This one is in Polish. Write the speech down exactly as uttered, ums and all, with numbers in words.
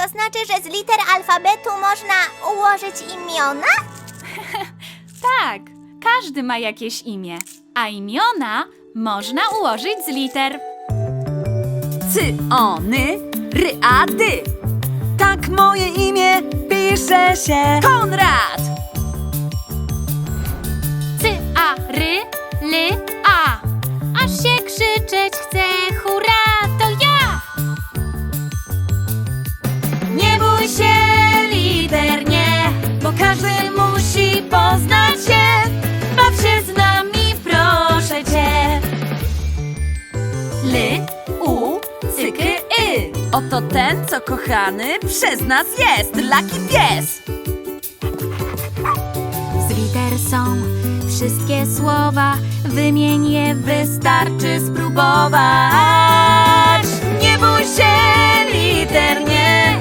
to znaczy, że z liter alfabetu można ułożyć imiona? Tak, każdy ma jakieś imię, a imiona można ułożyć z liter. Cy, ony, ry, a, dy. Tak moje imię pisze się Konrad. Cy, a, ry, ly, a. Aż się krzyczeć chce, hurra, to ja! Nie bój się liter, nie, bo każdy musi poznać się. Baw się z nami, proszę cię. Ly, u, cykry, y. Oto ten, co kochany przez nas jest, Lucky pies. Z liter są wszystkie słowa, wymień je, wystarczy spróbować. Nie bój się liter, nie,